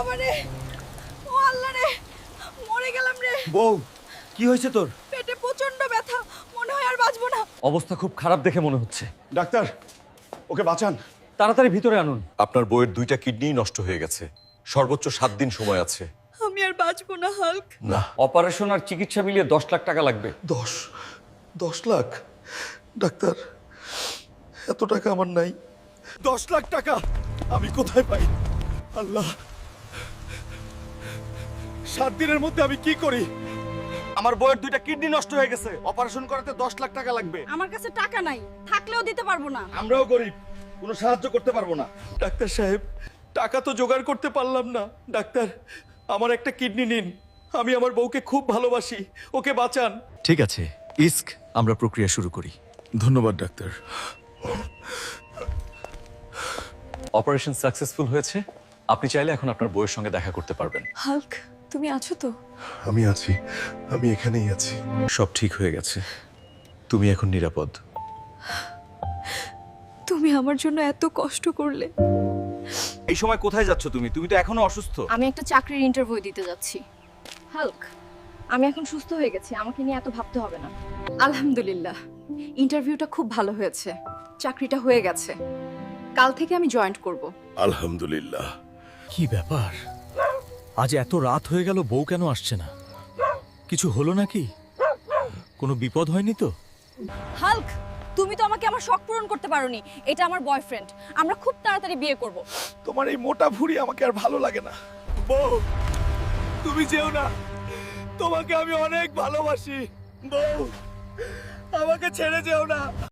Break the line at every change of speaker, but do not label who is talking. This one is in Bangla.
বাবা রে, ও আল্লাহ রে, মরে গেলাম রে।
বউ, কি হয়েছে তোর?
পেটে প্রচন্ড ব্যথা, মনে হয় আর বাঁচবো না।
অবস্থা খুব খারাপ দেখে মনে হচ্ছে।
ডাক্তার, ওকে বাঁচান।
তাড়াতাড়ি ভিতরে আনুন।
আপনার বউয়ের 2টা কিডনিই নষ্ট হয়ে গেছে। সর্বোচ্চ 7 দিন সময় আছে।
আমি আর বাঁচবো না হাল্ক।
না।
অপারেশন আর চিকিৎসা মিলিয়ে 10 লাখ টাকা লাগবে।
10 লাখ? ডাক্তার, এত টাকা আমার নাই।
10 লাখ টাকা আমি কোথায় পাই? আল্লাহ, 7 দিনের মধ্যে আমি কি করি? আমার বউয়ের 2টা কিডনি নষ্ট হয়ে গেছে, অপারেশন করাতে 10 লাখ টাকা লাগবে।
আমার কাছে টাকা নাই, থাকলেও দিতে পারবো না।
আমরাও গরিব, কোনো সাহায্য করতে পারবো না। ডাক্তার সাহেব, টাকা তো জোগাড় করতে পারলাম না। ডাক্তার, আমার একটা কিডনি নিন, আমি আমার বউকে খুব ভালোবাসি, ওকে বাঁচান।
ঠিক আছে, ইস্ক, আমরা প্রক্রিয়া শুরু করি।
ধন্যবাদ ডাক্তার।
অপারেশন সাকসেসফুল হয়েছে। আপনি চাইলে এখন আপনার বউয়ের সঙ্গে দেখা করতে পারবেন।
হাল্ক, তুমি আছো তো?
আমি আছি, আমি এখানেই আছি। সব ঠিক হয়ে গেছে, তুমি এখন নিরাপদ।
তুমি আমার জন্য এত কষ্ট করলে।
এই সময় কোথায় যাচ্ছ তুমি? তুমি তো এখনো অসুস্থ।
আমি একটা চাকরির ইন্টারভিউ দিতে যাচ্ছি। হাল্ক, আমি এখন সুস্থ হয়ে গেছি, আমাকে নিয়ে এত ভাবতে হবে না। আলহামদুলিল্লাহ, ইন্টারভিউটা খুব ভালো হয়েছে, চাকরিটা হয়ে গেছে। কাল থেকে আমি জয়েন্ট করব।
আলহামদুলিল্লাহ।
কি ব্যাপার, আজ এত রাত হয়ে গেল, বউ কেন আসছে না? কিছু হলো নাকি? কোনো বিপদ হয়নি তো?
হাল্ক, তুমি তো আমাকে আমার শখ পূরণ করতে পারোনি। এটা আমার বয়ফ্রেন্ড, আমরা খুব তাড়াতাড়ি বিয়ে করব।
তোমার এই মোটা ভুঁড়ি আমাকে আর ভালো লাগে না। বউ, তুমি যেও না, তোমাকে আমি অনেক ভালোবাসি। বউ, আমাকে ছেড়ে যেও না।